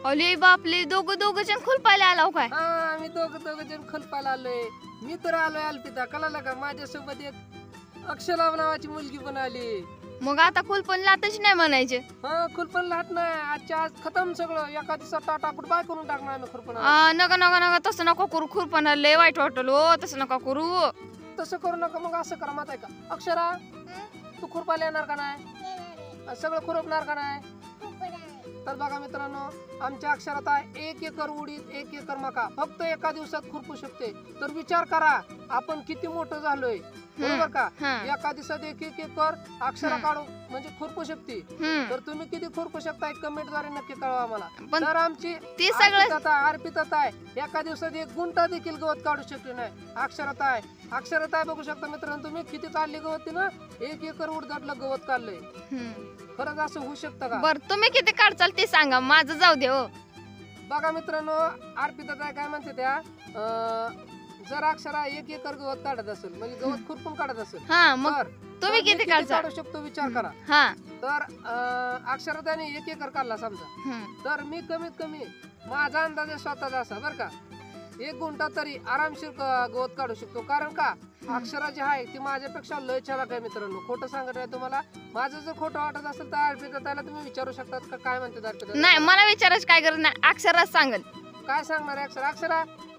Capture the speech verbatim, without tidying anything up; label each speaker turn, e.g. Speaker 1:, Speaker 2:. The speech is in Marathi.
Speaker 1: अले बापले दोघं दोघं जण खुलपायला आलाव काय?
Speaker 2: हा आम्ही दोघं दोघं जण खुलपायला आलोय. मी तर आलोय अल्पिता, कळालं का? माझ्यासोबत एक अक्षरा नावाची मुलगी पण आली.
Speaker 1: मग आता खुलपण लातच नाही म्हणायचे.
Speaker 2: हा खुरपण लाट नाही, आजच्या आज खतम सगळं. एका दिवसात टाटा गुड बाय करून टाकणार आम्ही खुरपण.
Speaker 1: आ, नका नका नका तसं नका करू. खुरपण लय वाईट वाटल हो, तसं नका करू.
Speaker 2: तसं करू नका. मग असं करा, माहिती आहे का अक्षरा, तू खुरपायला येणार का नाही? सगळं खुरपणार का नाही? तर बघा मित्रांनो, आमच्या अक्षरात आहे एक एकर उडीद, एक एकर मका, फक्त एका दिवसात खुरपू शकते. तर विचार करा आपण किती मोठं झालोय, बरोबर का?
Speaker 1: हं.
Speaker 2: एका दिवसात एक एक एकर अक्षरा
Speaker 1: हं.
Speaker 2: काढू म्हणजे खुरपू शकते.
Speaker 1: हम्म.
Speaker 2: तर तुम्ही किती खुरपू शकता कमेंट द्वारे नक्की कळवा आम्हाला.
Speaker 1: पण
Speaker 2: तर आमची
Speaker 1: ते सगळं
Speaker 2: अर्पितात आहे एका दिवसात एक गुंठा देखील गवत काढू शकले नाही. अक्षरात आहे अक्षरात आहे बघू शकता मित्रांनो तुम्ही किती काढली गवत ना. एक एकर उडदातलं गवत काढलंय.
Speaker 1: हम्म.
Speaker 2: खरंच असं होऊ शकतं का?
Speaker 1: बर तुम्ही किती काढचाल ते सांगा, माझं जाऊ दे हो.
Speaker 2: बघा मित्रांनो, अर्पितात आहे काय म्हणते त्या अं, जर अक्षरा एक एकर गवत काढत असेल म्हणजे गवत खुरपून काढत असेल,
Speaker 1: हा मग
Speaker 2: तर
Speaker 1: तुम्ही
Speaker 2: तर मी
Speaker 1: किती काढचाल?
Speaker 2: काढू शकतो विचार करा.
Speaker 1: हा.
Speaker 2: तर अं, अक्षरा त्याने एक एकर काढला समजा,
Speaker 1: हम्म.
Speaker 2: तर मी कमीत कमी माझा अंदाज आहे स्वतःचा असा बरं का, एक गुंठा तरी आरामशीर ग- गवत काढू शकतो. कारण का अक्षरा जी आहे ती माझ्यापेक्षा लय छान आहे मित्रांनो. खोटं सांगत नाही तुम्हाला. माझं जर खोटं वाटत असेल तर अर्पिता त्याला तुम्ही विचारू शकतात का काय म्हणते अर्पिता.
Speaker 1: नाही मला विचारायची काय गरज नाही, अक्षरात सांगल.
Speaker 2: काय सांगणार आहे अक्षरा? अक्षरा